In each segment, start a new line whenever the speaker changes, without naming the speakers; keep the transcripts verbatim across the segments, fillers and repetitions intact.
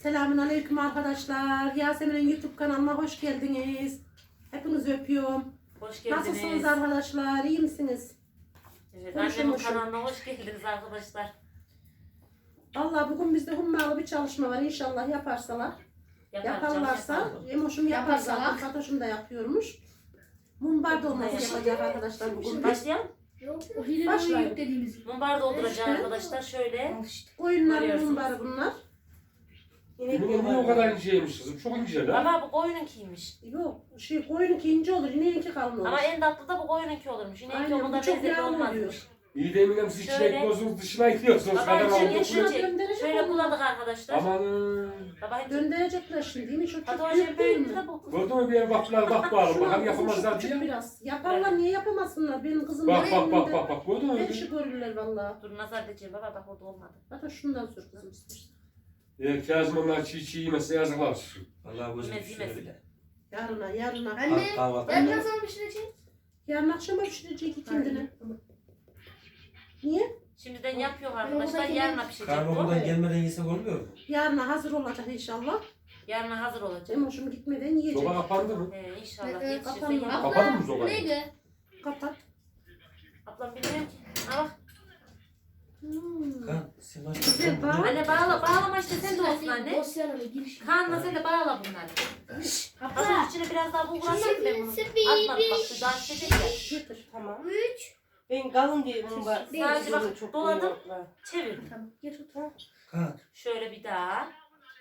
Selamünaleyküm arkadaşlar. Yasemin'in YouTube kanalına hoş geldiniz. Hepinizi öpüyorum.
Hoş geldiniz.
Nasılsınız arkadaşlar? İyi misiniz?
Evet,
Konuşun,
annemin
konuşun.
kanalına hoş geldiniz arkadaşlar.
Vallahi bugün bizde hummalı bir çalışma var. İnşallah yaparsalar.
Yaparacağım,
Yaparlarsa.
yaparım.
Emoşum yapar
Yaparsalar.
zaten. Fatoş'um da yapıyormuş. Mumbar dolması
Yapar.
yapacak arkadaşlar bugün.
Başlayalım.
O hileli
Başlayın.
oyun dediğimiz.
Mumbar dolduracağım
İşte.
arkadaşlar. Şöyle.
Al işte.
Koyunların
Görüyorsunuz.
mumbarı bunlar.
Yine niye o kadar inceymiş kızım? Çok ince lan.
Ama bu koyununkiymiş.
Yok. Şey, koyununki ince olur. İneğinki kalın olur.
Ama en tatlı da bu koyununki olurmuş. Yine
Aynen,
o
bu
kadar
çok
lezzetli
yağlı
olmazmış.
oluyor.
İyi de eminim siz içine
Şöyle.
ekliyorsunuz, dışına ekliyorsunuz.
Baba
Kadar
içine
aldık.
geçirecek.
Döndürecek
Şöyle
onu.
buladık arkadaşlar.
Aman.
Baba hiç.
Döndürecekler şimdi değil mi? Çok
Hadi
çok
o
büyük
şey
değil
böyle
mi?
de bu.
Gördün mü bir yer baktılar bak bağırın.
Şuna
Bakalım
kızım
yapamazlar
çok
diye.
küçük biraz. Yaparlar niye yapamasınlar? Benim kızım
Bak
var
bak bak
elinde.
bak bak. Gördün mü?
Beşi görürler valla.
Dur nazar edeceğim baba bak orada olmadı.
Hatta şundan sür kızım istersen.
Eğer Kazım onlar çiğ çiğ yemezse yazıklar olsun.
Vallahi gözüm
Yemez,
pişiyor
yemez.
bile.
Yarına yarına.
Anne,
Kahvaltı.
ben ne zaman pişireceğim?
Yarın akşama pişirecek kendine. Niye?
Şimdiden yapıyor
Ben
arkadaşlar.
buradaki-
Yarına pişecek
Karnı
bu.
okuldan gelmeden yesek olmuyor mu?
Yarına hazır olacak inşallah.
Yarına hazır olacak.
Emoşum gitmeden yiyecek.
Soba kapandı mı?
Ee, inşallah
Ee,
yetişirse
kapanma.
yerim.
Kapadın mı sobayı?
Neydi?
Kapat.
Ablam bilmiyorum ki. Ha bak.
Hmm.
Kan, sen başka
Güzel, bak.
Anne bağla, bağlama işte sen de olsun anne.
Dosyalara giriş.
Kaan'la sen de bağla bunları. Hazır içine biraz daha bulgur atayım ben bunu. Atmadım bak şu daha çekecek ya.
Getir.
Tamam.
Üç.
Ben kalın diye bunu var.
Sadece bak,
çok
doladım.
koyuyorlar.
Çevir.
Tamam. Geç otur.
Kan,
Şöyle bir daha.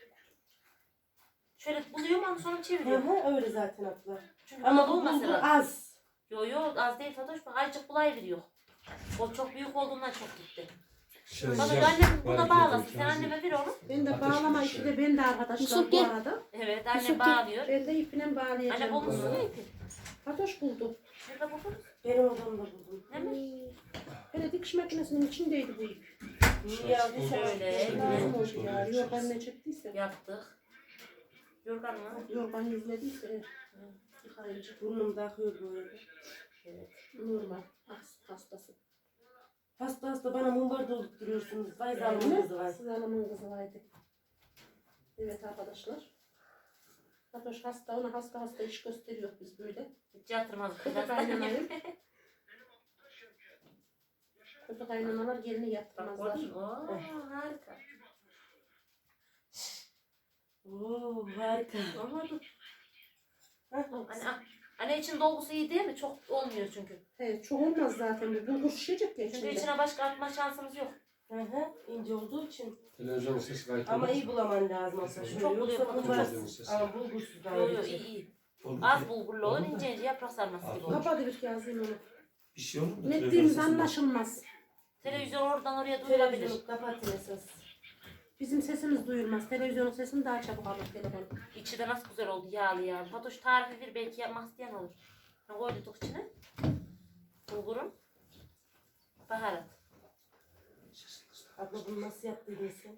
Şöyle buluyorum ama sonra
Hı
çeviriyorum.
hı öyle zaten abla.
Çünkü
Ama
Ama
bu
olmasa
bulgur
lazım.
az.
Yo yo az değil Fatoş bak azıcık bulayveriyor. O çok büyük olduğundan çok gitti.
şöyle
Fatoş
yap.
annem buna
Bari
bağlasın.
getir,
Sen
Kazım.
anneme ver onu.
Ben de
Ateş
bağlama
bir
ipi
şey.
de ben de arkadaşlar
Yusuf
bu
gel.
arada.
Evet
Yusuf
annem
gel.
bağlıyor.
Ben de ipiyle bağlayacağım.
Anne bulmuş mu ipi?
Fatoş buldu.
Nerede buldun?
Benim odamda buldum.
Ne mi?
Hele dikiş makinesinin içindeydi bu ip.
Niye aldıysa
Şöyle.
Lazım oldu ya. Yorgan ne çektiyse.
Yaptık. Yorgan mı?
Yorgan yüzlediyse. Yıkayıcı.
Burnumda akıyor böyle.
Evet.
Normal. Hasta- Hastası.
Hasta hasta bana mumbar doldurtuyorsunuz. Vay
Değil
zalim
mi?
kızı vay.
Siz hanımın kızı vardı. Evet arkadaşlar. Fatoş hasta, ona hasta hasta iş gösteriyor biz böyle.
Hiç yatırmaz.
Kötü kaynanayım. Kötü kaynanalar gelini
Bak
yaptırmazlar.
gördün mü? Oo, harika.
Oo harika.
Ama dur.
Hah,
Anne, ah, anne için dolgusu iyi değil mi? Çok olmuyor çünkü.
Evet, çok olmaz zaten bu. Bulgur şişecek ya
Çünkü
içinde.
içine başka atma şansımız yok.
Hı hı ince olduğu için.
Televizyonun sesi gayet
Ama
olmaz.
iyi bulaman lazım aslında.
Çok
Şöyle
buluyor,
yoksa
çok
mumbar.
buluyor.
Ama bulgursuz daha
Yo yo
iyi.
iyi iyi.
Olur.
Az bulgurlu olur ince ince yaprak sarması gibi olur.
Kapadı bir yazayım onu.
Bir şey olur mu?
Ne
Televizyon
ettiğimiz
sesinden.
anlaşılmaz.
Televizyon oradan oraya duyulabilir.
Televizyonu kapatın esas.
Bizim sesimiz duyulmaz. Televizyonun sesini daha çabuk alır telefon.
İçi de nasıl güzel oldu yağlı yağlı. Fatoş tarifi ver belki yapmak isteyen olur. Ne koyduk içine? Bulgurun. Baharat.
Abla bunu nasıl yaptıydın sen?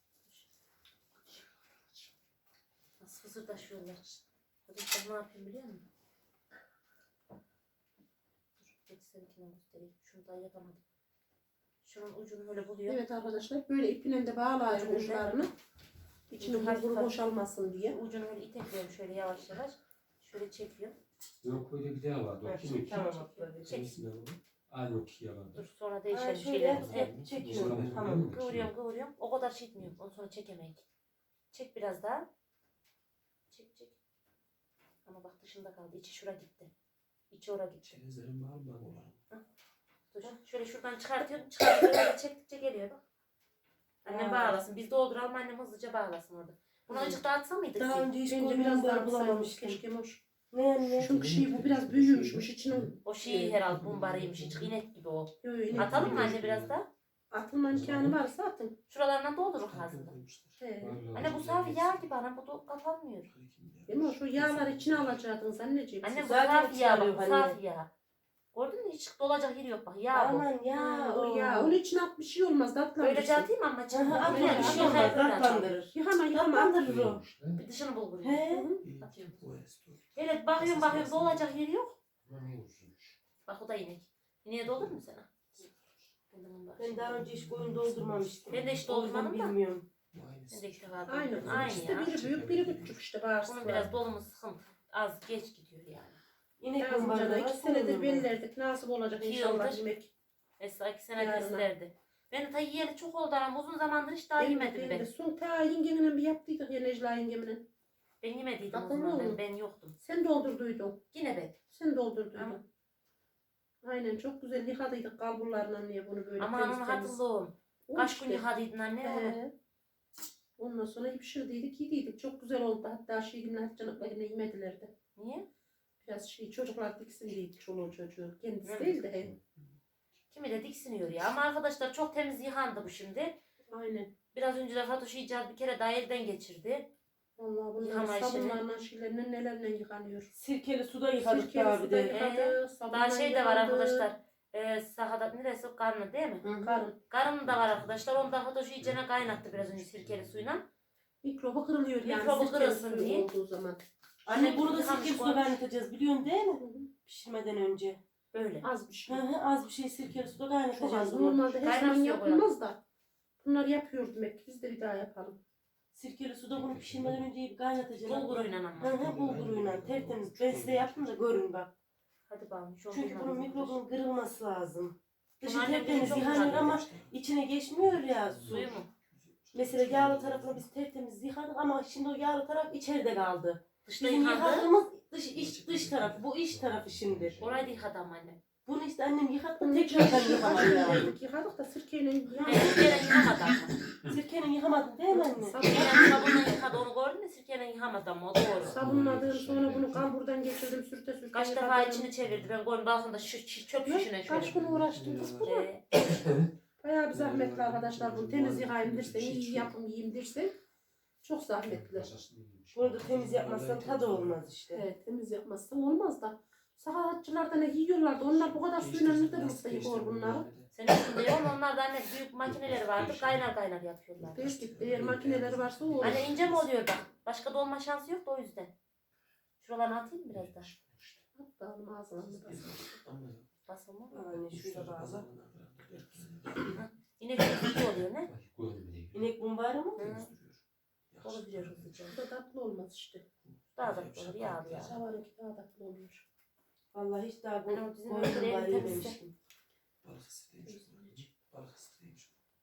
Nasıl fısırdaşıyorlar. Fatoş ben ne yapayım biliyor musun? Dur geç seninkini göstereyim. Şunu daha yapamadım. Şunun ucunu böyle buluyor.
Evet arkadaşlar böyle ipine de bağlayacağım
Evet.
uçlarını. İçinin bulguru boşalmasın diye.
Ucunu böyle itekliyorum şöyle yavaş yavaş. Şöyle çekiyorum.
Yok öyle bir daha vardı. O
Evet,
kim ki?
Tamam abla.
Çek.
Aynı o ki yalan.
Dur sonra
Ha,
değişelim
şöyle
şeylerimizi.
hep
Hep
çekiyorum. Tamam.
kıvırıyorum kıvırıyorum. O kadar şey etmiyorum. Ondan sonra çekemeyik. Çek biraz daha. Çek çek. Ama bak dışında kaldı. İçi şura gitti. İçi ora gitti.
Çeyizlerin var mı olan?
Dur. Şöyle şuradan çıkartıyorum. Çıkartıyorum. Böyle çektikçe geliyor bak. Annem
Ha.
bağlasın. Biz dolduralım annem hızlıca bağlasın orada. Bunu
Hı.
azıcık dağıtsa mıydık?
Daha
ki?
önce hiç
Bence
koyun
biraz daha
mumbar bulamamıştım.
Keşke hoş.
Ne anne?
Çünkü şey bu biraz büyümüşmüş içinin.
O şey herhalde bumbarıymış. Hiç inek gibi o.
Yo, yo, inek
Atalım mı
gibi.
anne biraz daha?
Atılma imkanı varsa atın.
Şuralarından doldurur ağzında.
He.
Anne bu safi yağ gibi ana bu da kapanmıyor.
Değil mi? Şu yağları içine alacaktınız anneciğim.
Anne bu
Zaten
safi yağ bak bu
çıkarıyor anne.
safi yağ. Gördün mü hiç dolacak yeri yok bak yağ bu.
Aman ya.
Ha, o ya. Onun içine at bir şey olmaz. Tatlandırsın.
Öylece atayım ama
Aha,
canım.
abla
Öyle
bir
bir
şey
şey yok.
olmaz.
Öyle atacağım.
Tatlandırır.
Yıkama yıkama.
Tatlandırır o.
Bir dışını bulgur.
He.
Atıyorum. Hele bakıyorum bakıyorum dolacak yeri yok.
Ne olsun?
Bak o da inek. İneğe doldur mu sana? Ben de bunu bak.
Ben daha önce hiç koyun doldurmamıştım.
Ben de hiç
O yüzden
doldurmadım da.
bilmiyorum.
Aynısı.
Ben de ilk defa
Aynı.
duydum. Aynı
İşte
ya.
biri büyük biri küçük işte
Bunun
bağırsaklar.
biraz dolumu sıkıntı. Az geç gidiyor yani.
İnek
Yazınca
mumbarı
da
da
iki
var.
senedir
senin
bellerdik. Nasip olacak
İki
inşallah
yıldır.
yemek.
Esra iki senedir
Yarına.
isterdi. Ben de ta yiyeli çok oldu ama uzun zamandır hiç daha
Ben de-
yemedim
ben
ben.
de son ta yengemle bir yaptıydık ya Necla yengemle.
Ben yemediydim o
Aklımda
zaman ben,
mı?
ben yoktum.
Sen doldurduydun.
Yine ben.
Sen doldurduydun.
Ama-
Aynen çok güzel yıkadıydık kalburlarla niye bunu böyle
Ama
temiz
onu
temiz.
hatırlıyorum.
O
Kaç
işte.
gün yıkadıydın anne onu?
He. Ondan sonra pişirdiydik, yediydik. Çok güzel oldu. Hatta şeyimle Hatice'nin yine yemediler de.
Niye?
Biraz şey çocuklar diksin diye çoluğu çocuğu. Kendisi
Hı.
değil de he.
Kimi de diksiniyor ya. Ama arkadaşlar çok temiz yıkandı bu şimdi.
Aynen.
Biraz önce de Fatoş icat bir kere daha elden geçirdi.
Vallahi bunlar
Yıkama işini.
sabunlarla şeylerle nelerle yıkanıyor.
Sirkeli suda yıkadık
Sirkeli
daha bir
suda
de.
yıkadı, sabunla
Daha şey de var
yıkandı.
arkadaşlar. Ee, sahada neresi? Karnı değil mi?
Hı hı.
Karın.
Karın da var arkadaşlar. Onu da Fatoş iyicene kaynattı biraz önce sirkeli suyla.
Mikrobu kırılıyor yani.
Mikrobu
sirkeli
kırılsın
suyu
diye.
olduğu zaman.
Anne bunu da
Yıkamış
sirkeli
bu.
suda kaynatacağız biliyorsun değil mi?
Hı hı.
Pişirmeden önce.
Böyle.
Az bir
Hı
şey.
hı, az bir şey sirkeli suda
Çok az.
kaynatacağız bunu.
Normalde her
Kaynar
zaman
suya
yapılmaz da. Bunlar yapıyor demek ki. Biz de bir daha yapalım.
Sirkeli suda bunu pişirmeden önce iyi bir kaynatacağız.
Bulguruyla
Hı
ama.
hı, bulguruyla tertemiz. Ben size yaptım da görün bak.
Hadi bakalım. Şu
Çünkü bunun mikrobun kırılması lazım. Dışı
Bunun annem
tertemiz
çok
yıkanıyor
güzel
ama içine geçmiyor ya su.
Suyu mu?
Mesela yağlı tarafını biz tertemiz yıkadık ama şimdi o yağlı taraf içeride kaldı.
Dışta
Bizim
yıkadı.
yıkadığımız dış, iç, dış tarafı, bu iç tarafı şimdi.
Orayı da yıkadı ama annem.
Bunu işte annem yıkattı
Bunun
tekrardan yıkamadı yani.
Yıkadık, yıkadık da sirkeyle
Ben sirkeyle yıkamadı ama.
Sirkenin yıkamadın değil mi anne?
Sirkeyle sabunla yıkadı onu gördün mü? Sirkeyle yıkamadı ama o doğru.
Sabunladım sonra bunu kalburdan geçirdim sürte sürte.
Kaç
yıkadım.
defa içini çevirdi. Ben koyun balkonda şu çi- çöp
Ne?
şişine
Kaç
şöyle.
gün uğraştım kız bunu.
Ee,
Bayağı bir zahmetli arkadaşlar bunu temiz yıkayayım dersen, iyi yapım yiyeyim dersen. Çok zahmetli.
Bunu da temiz yapmazsan tadı olmaz işte.
Evet, temiz yapmazsan olmaz da. Sahatçılarda ne yiyorlardı? Onlar bu kadar suyla nerede bulsa yıkıyor bunları.
senin üstünde yok. Onlar da anne büyük makineleri vardı. Kaynar kaynar yapıyorlar.
Değişik, eğer makineleri varsa o olur.
Anne ince mi oluyor bak? Başka dolma şansı yok da o yüzden. Şuralarını atayım mı biraz daha?
Hatta onun ağzına basın.
Basılma mı?
Yani şurada bağla.
Yine bir oluyor ne?
İnek mumbarı mı?
Hı. Onu biliyor hızlıca.
Bu da tatlı olmaz işte.
Daha da olur yağlı yağlı.
Şavarınki daha tatlı oluyor.
Vallahi hiç daha bu
Ben o dizinin
koyun
önünde
mumbarı
elini
yememiştim.
Balık ısıtayım. Balık ısıtayım.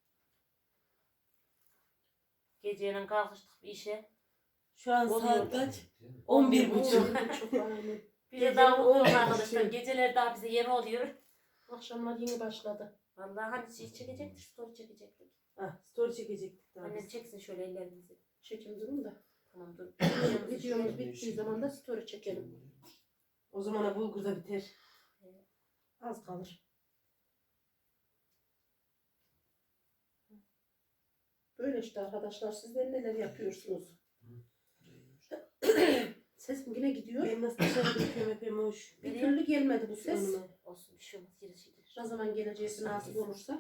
Geceyle kalkıştık bir işe.
Şu an
Oluyor.
saat kaç? on bir buçuk.
Çok aynen.
Bir de daha uyuyoruz arkadaşlar. Geceler daha bize yeni oluyor.
Akşamlar yeni başladı.
Vallahi hani şey çekecektik, story çekecektik.
Ah, story çekecektik daha
Annem
biz.
çeksin şöyle ellerimizi.
Çekim durum da.
Tamam dur.
Videomuz bittiği zaman da story çekelim.
O zamana bulgur da biter.
Az kalır. Böyle işte arkadaşlar. Sizler neler yapıyorsunuz? Sesim yine gidiyor.
Ben nasıl dışarı döküyorum hep hoş.
Bir türlü gelmedi bu ses.
Önüme.
Olsun bir şey olmaz. Yeri şeydir.
Ne zaman geleceği nasip olursa.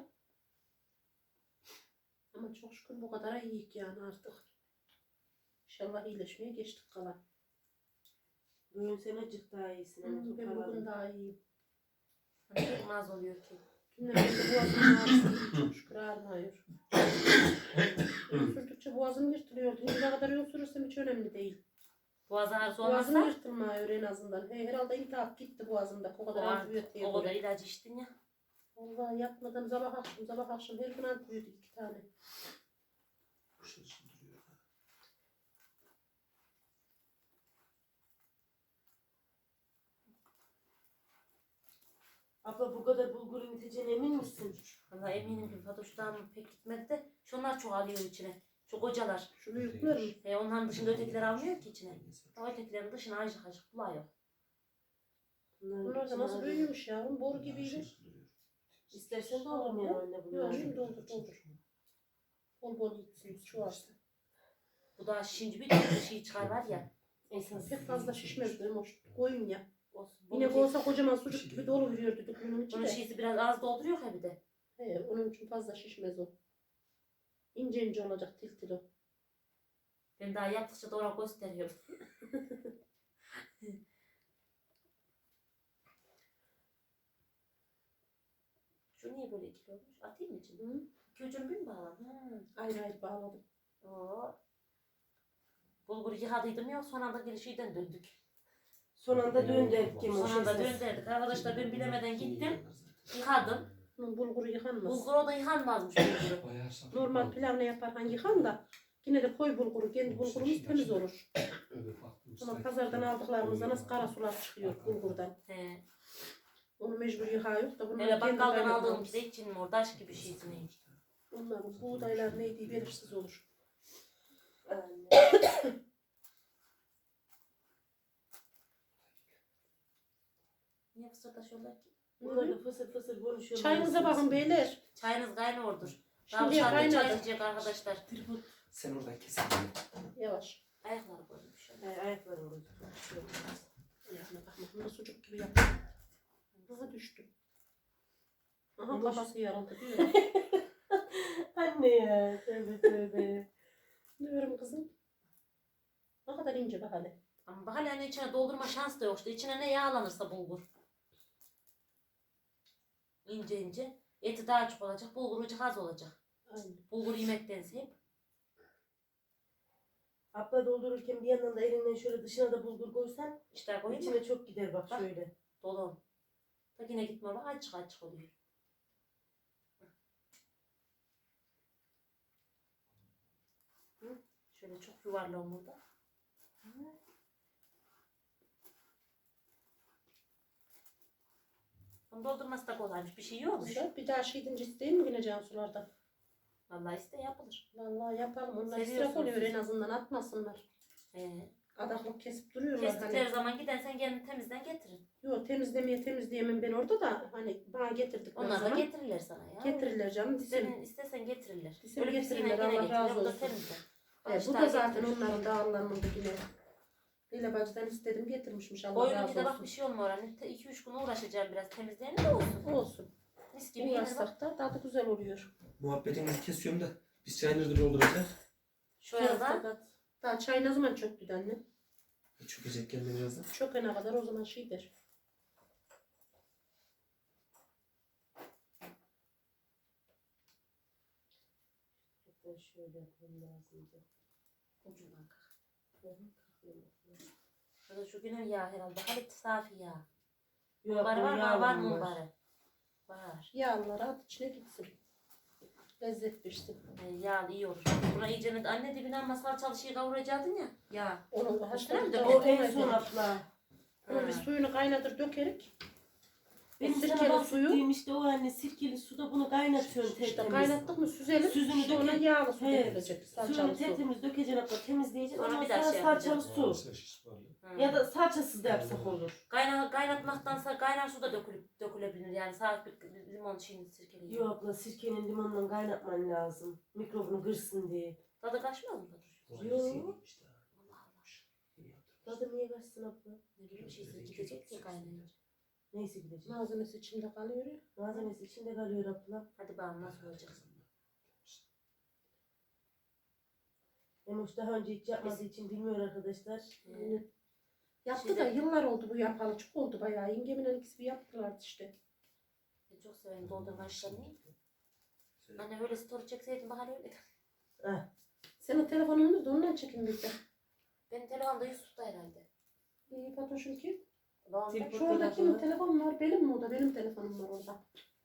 Ama çok şükür bu kadar iyiyik yani artık. İnşallah iyileşmeye geçtik kalan.
Bugün sen acık daha iyisin.
Hı,
Hani
ben bugün
toparladın.
daha iyiyim.
Hani çok naz oluyor ki.
Dünden beri boğazımın ağrısı iyi, çok şükür ağrımıyor. Yol sürdükçe boğazım yırtılıyordu. Ne kadar yol sürürsem hiç önemli değil.
Boğaz ağrısı
Boğazım
olmazsa
yırtılmıyor en azından. He, herhalde iltihap gitti boğazımda. O kadar
o,
antibiyotiğe
o kadar
göre.
ilaç içtin ya.
Vallahi yatmadan sabah akşam sabah akşam her gün antibiyotik iki tane.
Abla bu kadar bulgurun yeteceğine emin misin?
Valla eminim ki Fatoş'tan pek gitmedi de şunlar çok alıyor içine. Çok hocalar.
Şu büyükler mi?
E, onların dışında ötekiler almıyor ki içine. O ötekilerin dışına acık acık buluyor.
Bunların
Bunlar da
içine
nasıl
arıyor.
büyümüş ya? Boru gibiydi.
İstersen doldurmayalım anne
Yok
bunları.
şimdi doldur doldur. Bol bol gitsin çoğalsın.
Bu da şişince bir tane şey çıkar var ya.
Esas.
Pek fazla şişmez benim o koyun ya.
Olsun.
Yine
Bunun,
olsa kocaman sucuk gibi dolu veriyor düdüklünün içi
bunun
de.
şişesi biraz az dolduruyor ha bir de.
He, onun için fazla şişmez o. İnce ince olacak til til o.
Ben daha yaptıkça da ona gösteriyorum. Şu niye böyle ikili olmuş? Atayım mı içine?
Hı?
İki ucunu bir mi bağlam? Ha.
Ayrı ayrı bağladım.
Oo. Bulgur yıkadıydım ya son anda gelişiyden döndük.
Son anda döndük kim o
Son anda
şey.
döndürdük. Arkadaşlar ben bilemeden gittim. Yıkadım.
Bunun bulguru yıkanmaz.
Bulgur o da yıkanmazmış bulguru.
Bayağı saf.
Normal pilav ne yaparken yıkan da yine de koy bulguru. Kendi bulgurumuz temiz olur. Ama pazardan aldıklarımızda nasıl kara sular çıkıyor bulgurdan.
He.
Onu mecbur yıkayıp da bunlar
Öyle
kendi
bakkaldan
kaynatmamız.
aldığım pide için mi oradaş gibi şeysi neymiş.
Onların buğdaylar neydi belirsiz olur.
Niye fısırdaşıyorlar ki?
Bunlar da fısır fısır konuşuyorlar.
Çayınıza bakın beyler.
Çayınız kaynıyordur. Daha
Şimdi
dışarıda çay
kaynadı.
içecek arkadaşlar.
Sen oradan kesin.
Yavaş.
Ayakları koymuş.
Ay, ayaklarım gözüküyor.
Ayağına bakma. Bunda sucuk gibi yapıyor. Aha düştü. Aha kafası yarıldı diyor.
Anne ya. Tövbe tövbe.
Diyorum kızım. Ne kadar ince bak hele.
Ama bak hala hani içine doldurma şans da yok işte. İçine ne yağlanırsa bulgur. İnce ince. Eti daha çok olacak. Bulgur ucu az olacak.
Aynen.
Bulgur yemektense hep.
Abla doldururken bir yandan da elinden şöyle dışına da bulgur koysan
İşte koyayım mı?
içine çok gider bak
Bak.
şöyle.
Dolu. Bak yine gitme bak açık açık oluyor. Hı? Şöyle çok yuvarlağım burada. Bunu doldurması da kolaymış. Bir şey yokmuş.
Güzel. Bir daha şey edince isteyeyim mi yine Cansular'dan?
Vallahi iste yapılır.
Vallahi yapalım. Onlar
Seviyorsunuz
israf oluyor
siz.
en azından atmasınlar.
Ee,
Adaklık kesip duruyorlar
kestikleri
hani.
zaman gidersen kendin temizden getirin.
Yok temizlemeye temizleyemem ben orada da hani bana getirdikleri
Onlar da
zaman
getirirler sana ya.
getirirler canım.
İstesen,
Disim.
istesen getirirler.
Disim
Öyle birisiyle
getirirler,
yine
Allah
getirirler,
razı
bu da
olsun.
temizler.
E, bu
İşte
da zaten
getirir.
onların dağlarında yine. Leyla bacıdan istedim getirmişmiş Allah
Boyunun
razı
bir de bak
olsun.
bir şey olmuyor. Hani iki üç gün uğraşacağım biraz temizleyelim de olsun.
Olsun.
Mis gibi yenir bak.
Uğraşsak da tadı güzel oluyor.
Muhabbetinizi kesiyorum da biz çayınızı dolduracağız.
Şöyle da
Daha çay ne zaman çöktü de anne?
Çökecek kendi birazdan.
Çökene kadar o zaman şeydir.
Ben şöyle yapmam lazımdı.
ucundan kalk. Şurada şu günün yağ herhalde. Hadi safi yağ.
Yok,
Var var
o
var var
yağlı
mı bari? Var.
Yağlıları at içine gitsin. Lezzet versin.
E, yağlı iyi olur. Buna iyice ne- anne dibine ama salçalı şey kavuracaktın ya. Ya.
Onu haşladık
de
da
O
o
en son abla.
Onu bir suyunu kaynadır dökerik.
Benim
sirkeli
sana
suyu.
bahsettiğim işte o anne sirkeli suda bunu kaynatıyorsun
İşte
tertemiz.
kaynattık mı süzelim.
Süzünü
sonra
dökelim.
yağlı su
He.
dökülecek.
Suyunu
Salçalı su.
tertemiz dökeceksin abla temizleyeceksin.
Sonra
Ondan
bir daha
sonra
şey
salçalı
yapacağız.
su.
Hı.
Ya da salçasız da yapsak olur.
Kayna, kaynatmaktansa kaynar su da dökülüp, dökülebilir. Yani sağlık bir limon şeyini sirkeleyin.
Yok abla sirkenin limonla kaynatman lazım. Mikrobunu kırsın diye.
Tadı kaçmaz mı Kadir?
Yok.
Allah Allah.
Tadı niye kaçsın abla?
Ne bileyim şeysi gidecek ya kaynayınca.
Neyse gidecek.
Malzemesi içinde kalıyor ya.
Malzemesi içinde kalıyor abla.
Hadi bakalım nasıl olacak.
Emoş daha önce hiç yapmadığı için bilmiyor arkadaşlar.
Ee,
Yaptı
Şeyde-
da yıllar oldu bu yapalı. Çok oldu bayağı. Yengemin ikisi bir yaptılardı işte.
ben çok severim doldurma işlerini. Anne öyle story çekseydim bana öyle.
Heh.
Senin telefonun da ondan çekin biz de.
Benim telefonda Yusuf'ta herhalde.
İyi Fatoş'un ki.
Babam da-
Telefon-
Şu orada kimin
telefonu.
telefonu var? Benim mi o da? Benim telefonum var orada.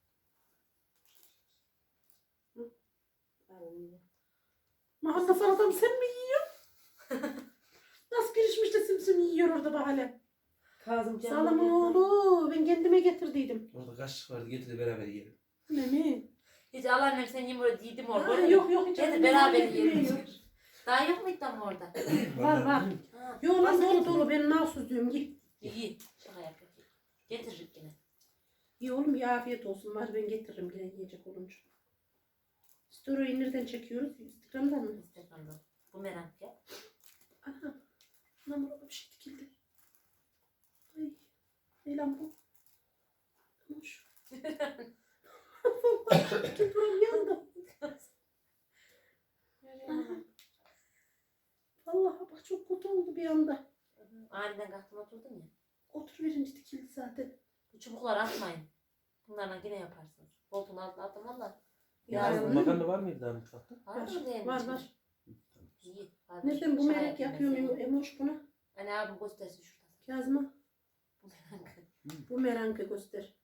Aynen.
Mahalle salatam sen mi yiyorsun? Nasıl girişmiş de simsim yiyor orada bahane.
Kazım canım.
Salam oğlu ben kendime getirdiydim.
Orada kaşık vardı getir de beraber yiyelim.
Ne mi?
Hiç al annem sen yiyeyim böyle yedim orada.
Ha,
öyle mi?
yok yok hiç.
Hadi
annem
beraber
yemek
yiyelim.
yemiyor.
Daha yok muydu ama orada?
Var var.
Ha.
Yok lan
Varsa
dolu
getir.
dolu ben nasıl diyorum git.
İyi. Şaka yapıyor. Getiririk yine.
İyi oğlum ya afiyet olsun var ben getiririm yine yiyecek olunca. Story'yi nereden çekiyoruz? Instagram'dan mı?
Instagram'da. Bu merak ya.
Aha. Anam orada bir şey dikildi. Ay. Ne lan bu? Hoş. Vallahi tüpürüm yandı. Vallahi bak çok kötü oldu bir anda.
Aniden kalktım oturdum ya.
Otur verince dikildi zaten.
Bu çubukları atmayın. Bunlarla yine yaparsınız. Koltuğun altına atın valla.
Ya,
Yarın makarna var mıydı daha mutfakta?
Var mı diyelim?
Var var.
İyi. Hadi.
Nereden bu
Şaka
melek
yapayım
yapıyor
ben sana.
Emoş buna?
Hani abim göstersin şuradan.
Kazma.
Bu merak.
Bu merankı göster.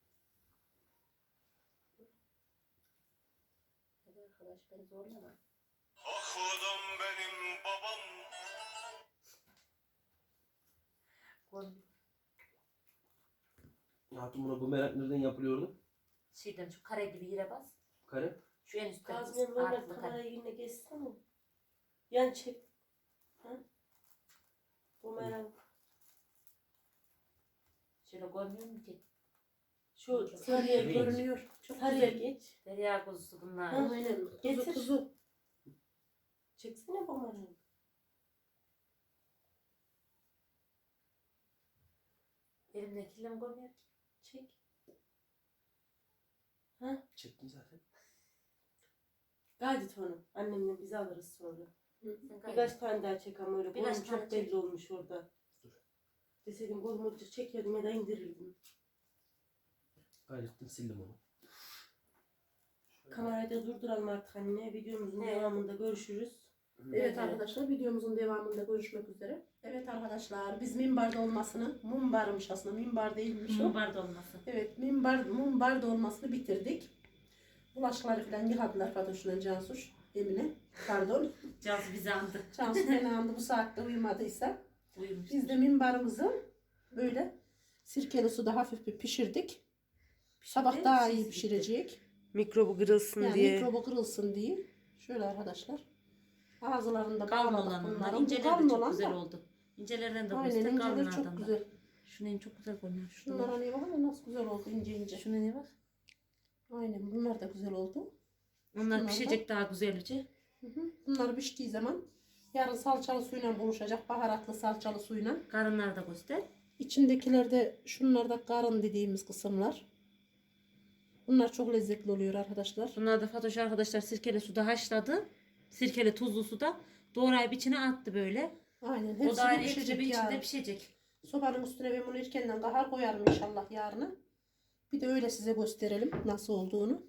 Hadi arkadaş beni zorlama.
Okudum benim babam.
Koy.
Ne yaptın buna? Bu merak nereden yapılıyordu?
Şeyden şu kare gibi yere bas.
Kare.
Şu en üstte.
Gazmenin normal
Artı kare.
kamerayı yine geçsene. Yan çek. Ha? Bumerang.
Şöyle görmüyor musun ki?
Şu
Sarıya
sarıya geç.
görünüyor. Çok
Sarıya
güzel.
geç.
Derya kuzusu bunlar.
Ha.
Aynen. Kuzu
Getir.
kuzu.
Çeksene bumerang.
Elimdekiyle mi görmüyor ki?
Çek.
Çektim zaten.
Gayet onu. Annemle biz alırız sonra.
Sen gayet-
Birkaç tane daha çek ama öyle.
Birkaç
Boyum
tane
çok
çek.
belli olmuş orada.
Dur.
Deseydim boyumu çekiyordum ya da indirirdim.
Gayrettim sildim onu.
Kamerayı da durduralım artık anne. Videomuzun
Evet.
devamında görüşürüz.
Evet arkadaşlar videomuzun devamında görüşmek üzere. Evet arkadaşlar biz minbarda olmasını, mumbarmış aslında minbar değilmiş o.
Mumbar dolması.
Evet minbar, mumbar dolmasını bitirdik. Bulaşıkları falan yıkadılar Fatoş'la Cansuş, Emine. Pardon.
Cansu bizi andı.
Cansu beni andı bu saatte uyumadıysa.
Uyumuş.
Biz de minbarımızı böyle sirkeli suda hafif bir pişirdik. Sabah daha iyi pişirecek.
Mikrobu kırılsın
Yani mikrobu kırılsın diye. Şöyle arkadaşlar. Ağızlarında
Kalın
bağladık
olan onlar.
bunları.
İnceler de
Kalın
çok
olan
güzel
da.
oldu. İncelerden de
Aynen
göster
inceler
kalınlardan
çok
da.
güzel.
Şunun çok güzel görünüyor.
Şunlara
Şunlara.
ne bakalım nasıl güzel oldu ince ince.
Şuna ne bak.
Aynen bunlar da güzel oldu.
Onlar
Şunlar
pişecek daha güzelce.
Hı hı. Bunlar piştiği zaman yarın salçalı suyla buluşacak. Baharatlı salçalı suyla.
Karınları da göster.
İçindekiler de şunlar da karın dediğimiz kısımlar. Bunlar çok lezzetli oluyor arkadaşlar.
Bunlar da Fatoş arkadaşlar sirkeli suda haşladı. Sirkeli tuzlu suda doğrayıp içine attı böyle.
Aynen
O
hepsi
da ayrı
pişecek
ekşi bir içinde
yarın.
pişecek.
Sobanın üstüne ben bunu erkenden kahar koyarım inşallah yarına. Bir de öyle size gösterelim nasıl olduğunu.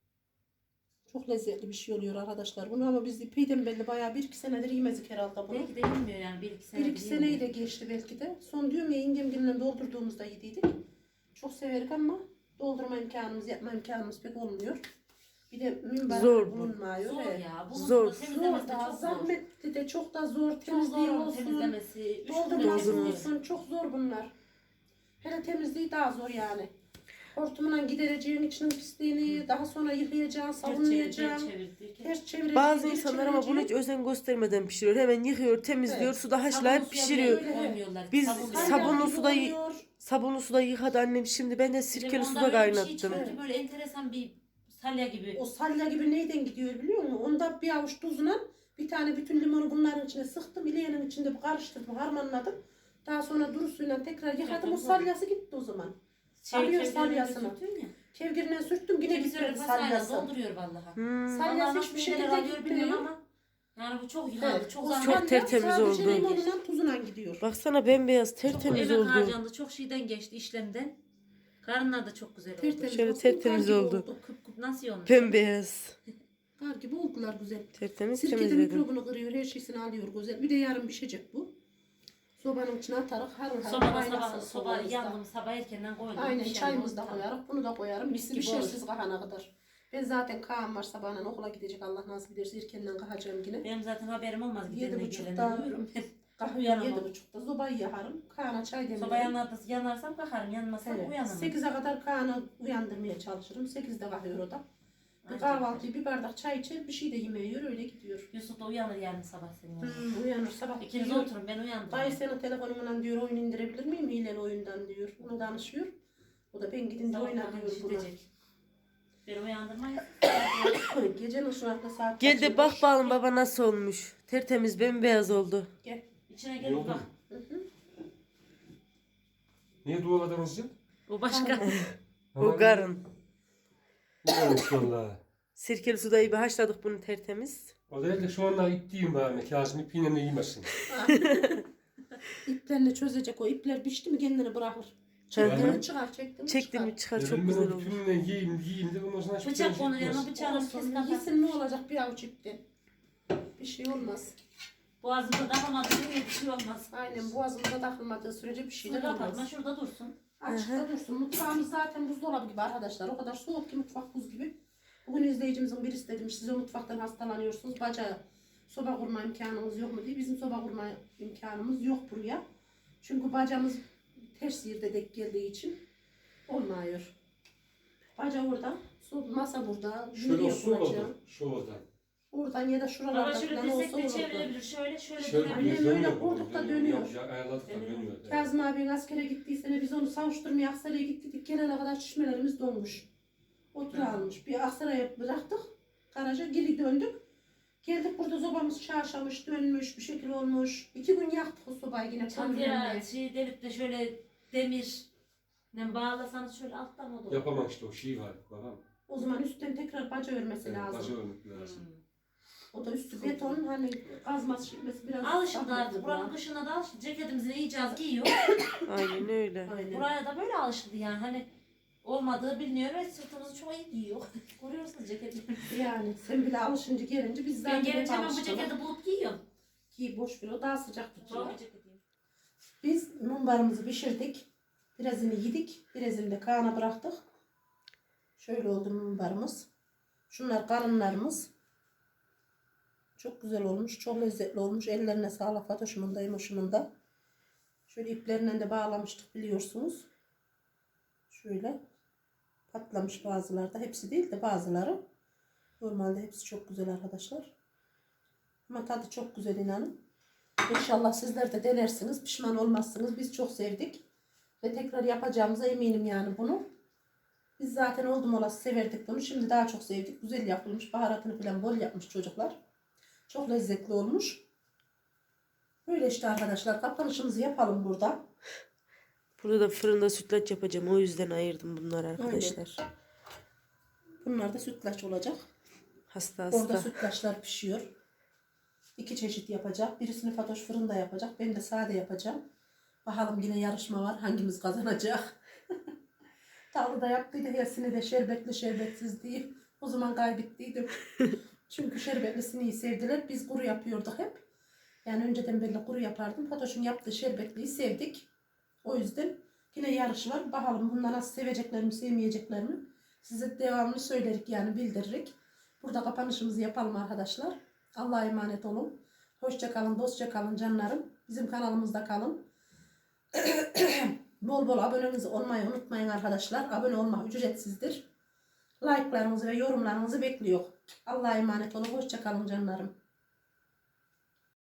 Çok lezzetli bir şey oluyor arkadaşlar. Bunu ama biz epeyden belli bayağı bir iki senedir yemedik herhalde bunu.
Belki de bilmiyor yani bir iki sene.
Bir iki seneyi de geçti belki de. Son diyorum ya yengemgille doldurduğumuzda yediydik. Çok severik ama doldurma imkanımız, yapma imkanımız pek olmuyor. Bir de minber
Zor bu.
bulunmuyor.
Zor
Evet.
ya.
Zor.
Zor.
Zor
Temizlemesi de
da,
çok zor.
zahmetli de çok da zor.
Çok
Temizliği
zor
olsun,
temizlemesi. Üç
doldurması
gün
olsun. Çok zor bunlar. Hele temizliği daha zor yani. Hortumla gidereceğin içinin pisliğini, daha sonra yıkayacaksın, savunacaksın. Ters çevireceksin.
Bazı
geri
insanlar ama bunu hiç
çevireceksin.
özen göstermeden pişiriyor. Hemen yıkıyor, temizliyor,
Evet.
suda haşlayıp pişiriyor. Biz
Salya
sabunlu
gibi
suda y-
oluyor.
Sabunlu suda yıkadı annem. Şimdi ben de sirkeli suda kaynattım.
Şey böyle enteresan bir salya gibi.
O salya gibi neyden gidiyor biliyor musun? Onda bir avuç tuzla bir tane bütün limonu bunların içine sıktım. İleyenin içinde bir karıştırdım, harmanladım. Daha sonra duru suyla tekrar yıkadım. O salyası gitti o zaman. Alıyor salyasını. Kevgirine sürttüm yine
Kimisi öyle
gitmedi
pasayla
salyası.
dolduruyor vallahi.
Hmm.
Salyası hiçbir şekilde
alıyor bilmiyorum
gitmiyor.
ama. Yani bu çok yıkandı.
Evet,
Çok
o
zahmet.
Çok
salya
tertemiz
sadece
oldu.
limonla tuzuna gidiyor.
Baksana bembeyaz,
Çok
tertemiz
emek
oldu.
harcandı. Çok şeyden geçti işlemden. Karınlar da çok güzel oldu.
Tertemiz
Şöyle
oldu,
tertemiz
kar gibi
oldu.
Kıp kıp nasıl olmuş?
Bembeyaz.
Kar gibi oldular güzel.
Tertemiz
Sirke de
temizledim.
mikrobunu kırıyor, her şeysini alıyor güzel. Bir de yarın pişecek bu. Sobanın içine atarak harıl harıl
Sobada
kaynasın
sabah, soba
sobamızda.
yandım sabah erkenden koydum.
Aynen
Bir şey
çayımızı da
oldu.
koyarım, bunu da koyarım.
Mis
Mis
gibi
bir şeysiz kahana kadar. Ben zaten Kaan var sabahından okula gidecek Allah nasip ederse erkenden kahacağım yine.
Benim zaten haberim olmaz.
Yedi
Gidenle
buçukta
gelene uyurum.
Kahve
Uyanamam.
yedi buçukta sobayı yakarım. Kaan'a çay demlerim.
Soba yanarsa yanarsam kalkarım. Yanmazsam
Evet.
uyanamam.
sekize kadar Kaan'ı uyandırmaya çalışırım. sekizde kalkıyor o da. Bir
Aynen.
kahvaltıyı bir bardak çay içer bir şey de yemeği yiyor öyle gidiyor.
Yusuf da uyanır yarın sabah senin yanına.
Hmm, uyanır sabah
İkiniz
diyor.
oturun ben uyandım.
Dayı senin telefonundan diyor oyun indirebilir miyim hileli oyundan diyor. Onu danışıyor. O da ben gidince oyna diyor buna.
Gidecek. Beni uyandırmayın.
Gecenin şu anda saat
Gel
kaç
de
olmuş?
bak bakalım baba nasıl olmuş. Tertemiz bembeyaz oldu.
Gel.
İçine
Ne
gel
oldu?
bak.
Hı hı.
Niye dualadınız ya?
O başka.
O karın.
Ne olmuş valla.
Sirkeli suda iyi bir haşladık bunu tertemiz.
O değil de şu anda ipliyim bana. Kazım ipiyle de yemesin.
İplerini çözecek o. İpler pişti mi kendini bırakır.
Hı
Çektim
hı.
mi çıkar, çektim mi
Çektim
çıkar.
mi çıkar çok
Dedim ben
güzel
o
oldu.
bütününe yiyeyim yiyeyim de ondan sonra hiçbir
Bıçak
şey
konur yanına
çıkmaz.
bıçağını kes
Olsun,
kapat.
yesin ne olacak bir avuç ipten. Bir şey olmaz.
Boğazımda takılmadığı sürece bir şey olmaz.
Aynen boğazımıza takılmadığı sürece bir şey de
Şunu kapatma,
olmaz.
şurada dursun.
Açıkta dursun. Mutfağımız zaten buzdolabı gibi arkadaşlar. O kadar soğuk ki mutfak buz gibi. Bugün izleyicimizin birisi demiş siz o mutfaktan hastalanıyorsunuz. Baca soba kurma imkanımız yok mu diye. Bizim soba kurma imkanımız yok buraya. Çünkü bacamız ters yerde denk geldiği için olmuyor. Baca orada, so- masa burada.
Şöyle
yürüyor
olsun
baca.
oldu. Şu oradan.
Oradan ya da
Baba
şuralarda
şöyle
falan olsa
destek de
olurdu.
çevirebilir. Şöyle şöyle
Şöyle
dönebilir.
Aynen
bir
öyle,
dönüyor.
kurduk da
Dönüyor.
dönüyor.
Ya, ayarladık da
Dönüyor.
dönüyor. Evet.
Kazım abinin askere gittiği sene biz onu savuşturmaya Aksaray'a gittik. Gelene kadar çişmelerimiz donmuş. Otur almış. Bir Aksaray'a bıraktık. Garaja geri döndük. Geldik burada sobamız çarşamış, dönmüş, bir şekil olmuş. İki gün yaktık o sobayı yine.
Çatıya
kömürle.
şey delip de şöyle demir ne bağlasanız şöyle alttan o da olur.
Yapamam işte o şey var. Babam.
O zaman üstten tekrar baca örmesi
Evet,
lazım.
başı örmek lazım.
Hmm.
O da üstü beton hani kazması şişmesi biraz.
Alışıldı
zahmetli
artık.
buna.
Buranın kışına da alışıldı. Ceketimizi iyice az giyiyor.
Aynen öyle.
Aynen.
Buraya da böyle alışıldı yani. Hani olmadığı biliniyor ve sırtımızı çok iyi giyiyor. Görüyorsunuz ceketimi.
Yani sen bile alışınca gelince biz
Ben
zaten
gelince
hep
hemen bu
alıştık.
ceketi bulup giyiyorum.
Giy boş ver o daha sıcak tutuyor.
Doğru ceketiyim.
Biz mumbarımızı pişirdik. Birazını yedik. Birazını da Kaan'a bıraktık. Şöyle oldu mumbarımız. Şunlar karınlarımız. Çok güzel olmuş. Çok lezzetli olmuş. Ellerine sağlık Fatoş'umun da Emoş'umun da. Şöyle iplerinden de bağlamıştık biliyorsunuz. Şöyle patlamış bazıları da. Hepsi değil de bazıları. Normalde hepsi çok güzel arkadaşlar. Ama tadı çok güzel inanın. İnşallah sizler de denersiniz. Pişman olmazsınız. Biz çok sevdik. Ve tekrar yapacağımıza eminim yani bunu. Biz zaten oldum olası severdik bunu. Şimdi daha çok sevdik. Güzel yapılmış. Baharatını falan bol yapmış çocuklar. Çok lezzetli olmuş. Böyle işte arkadaşlar. Kapanışımızı yapalım burada.
Burada da fırında sütlaç yapacağım. O yüzden ayırdım bunları arkadaşlar.
Bunlar da sütlaç olacak.
Hasta
Orada
hasta.
sütlaçlar pişiyor. İki çeşit yapacak. Birisini Fatoş fırında yapacak. Ben de sade yapacağım. Bakalım yine yarışma var. Hangimiz kazanacak? Tatlı da yaptıydı. Hepsini de şerbetli şerbetsiz diye. O zaman kaybettiydim. Çünkü şerbetlisini iyi sevdiler. Biz kuru yapıyorduk hep. Yani önceden belli kuru yapardım. Fatoş'un yaptığı şerbetliyi sevdik. O yüzden yine yarış var. Bakalım bunlar nasıl sevecekler mi sevmeyecekler mi? Size devamlı söylerik yani bildiririk. Burada kapanışımızı yapalım arkadaşlar. Allah'a emanet olun. Hoşça kalın, dostça kalın canlarım. Bizim kanalımızda kalın. Bol bol aboneniz olmayı unutmayın arkadaşlar. Abone olmak ücretsizdir. Like'larınızı ve yorumlarınızı bekliyor. Allah'a emanet olun. Hoşça kalın canlarım.